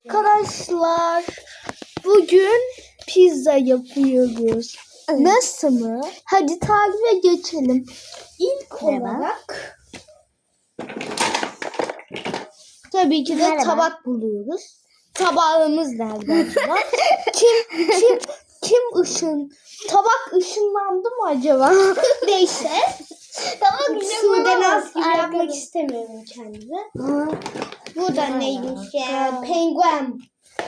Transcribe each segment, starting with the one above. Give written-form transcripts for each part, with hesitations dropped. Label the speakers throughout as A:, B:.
A: Arkadaşlar bugün pizza yapıyoruz. Nasıl mı? Hadi tarife geçelim. İlk olarak tabii ki de tabak buluyoruz. Tabağımız nerede acaba? kim tabak ışınlandı mı acaba? Neyse. Tabak Sude Naz gibi yapmak istemiyorum kendime. Bu da neymiş ya? Penguen.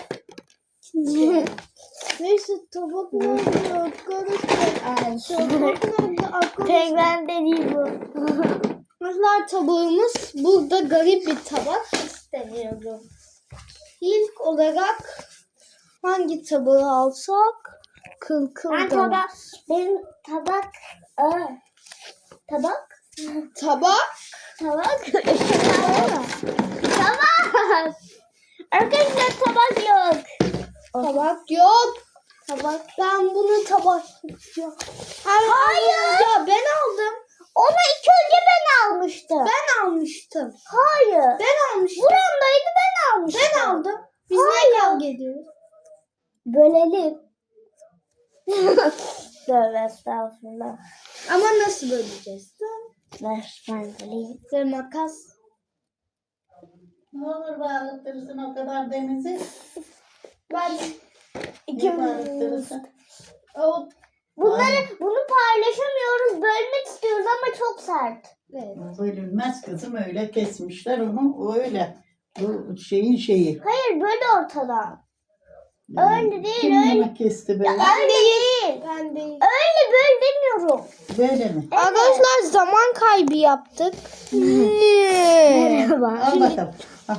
A: Neyse tabak nerede arkadaşlar? Penguen de değil bu. Arkadaşlar tabağımız burada garip bir tabak istemiyorum. İlk olarak hangi tabağı alsak?
B: Benim tabak. Tabak. Arkadaşlar tabak yok.
A: Tabak yok. Ben bunu tabak yok.
B: Hayır.
A: Ya ben aldım.
B: Onu ilk önce ben almıştım.
A: Ben almıştım.
B: Hayır.
A: Ben almıştım.
B: Buramdaydı ben almıştım.
A: Ben aldım. Biz niye kavga ediyoruz?
B: Bölelim. Tövbe estağfurullah.
A: Ama nasıl böleceğiz?
B: Ver ben böleyim.
A: Ve makas.
C: Ne olur bağırtırsın o kadar denizi.
A: Ben
C: Niye bağırtırsın?
B: Bunu paylaşamıyoruz. Bölmek istiyoruz ama çok sert.
A: Evet.
C: Bölünmez kızım, öyle kesmişler onu, o öyle. Bu şeyi.
B: Hayır böyle ortadan. Öyle değil,
C: Kim
B: öyle.
C: bunu kesti böyle?
B: Öyle değil.
A: Ben değil.
B: Öyle böyle demiyorum.
C: Böyle mi?
A: Arkadaşlar zaman kaybı yaptık.
B: Merhaba.
C: Al bakalım. Al.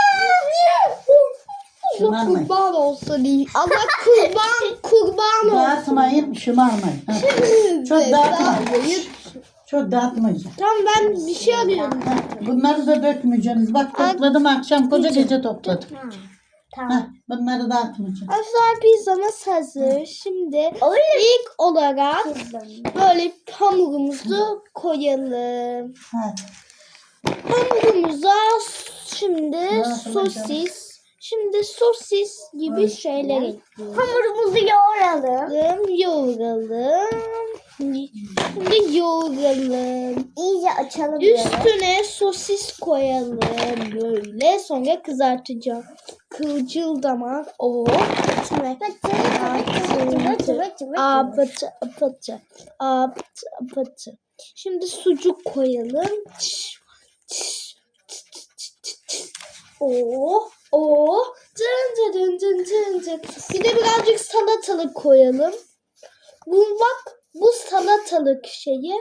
A: Allah
C: Şımarmayın.
A: kurban olsun. Allah kurban olsun.
C: Dağıtmayın, şımarmayın. Ha. Çok dağıtmayın. Çok dağıtmayacağım.
A: Tamam ben bir şey arıyorum.
C: Ha, bunları da dökmeyeceksiniz. Bak topladım akşam, koca gece topladım.
B: Tamam.
C: Ha, bunları dağıtmayacağım.
A: Arkadaşlar pizzamız hazır. Şimdi ilk olarak böyle hamurumuzu koyalım.
C: Ha.
A: Hamurumuza şimdi
C: yapacağım?
A: sosis gibi şeyler ekliyoruz.
B: Hamurumuzu yoğuralım.
A: Şimdi yoğuralım.
B: İyice açalım böyle.
A: Üstüne sosis koyalım böyle. Sonra kızartacağım. Kıvılcıldamak. O. Apatı. Şimdi sucuk koyalım. Dın. Bir de birazcık salatalık koyalım. Bu salatalık şeyi.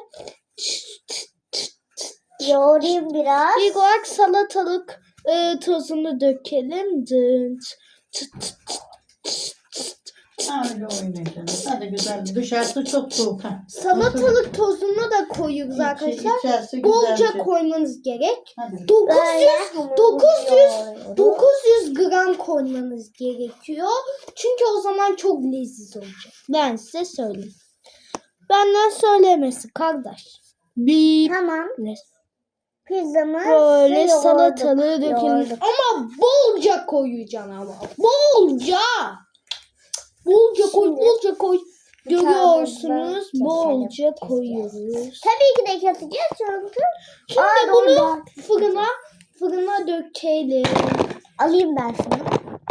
B: Yoğurayım biraz.
A: İlk olarak salatalık tozunu dökelim.
C: Öyle oynayacaksınız. Hadi güzel. Dışarısı çok soğuk. Ha.
A: Salatalık tozunu da koyuyoruz arkadaşlar.
C: İçerisi
A: Bolca
C: güzelce.
A: koymanız gerek.
C: Hadi.
A: 900 gram koymanız gerekiyor. Çünkü o zaman çok leziz olacak. Ben size söyleyeyim. Benden söylemesi kardeş.
B: Tamam.
A: Ne?
B: Pizzamız
A: Böyle salatalığı dökelim. Ama bolca koyacaksın ama. Bolca koy. Görüyorsunuz. Bolca koyuyoruz.
B: Tabii ki de keseceğiz çünkü.
A: Şimdi bunu fırına dökelim.
B: Alayım ben şunu.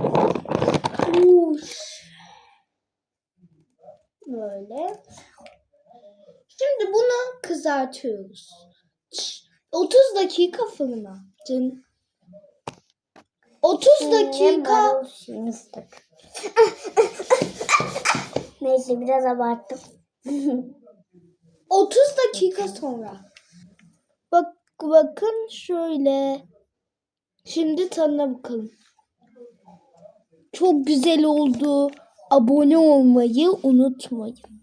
A: Böyle. Şimdi bunu kızartıyoruz. 30 dakika fırına. 30 dakika.
B: Neyse biraz abarttım.
A: 30 dakika sonra. Bakın şöyle. Şimdi tadına bakalım. Çok güzel oldu. Abone olmayı unutmayın.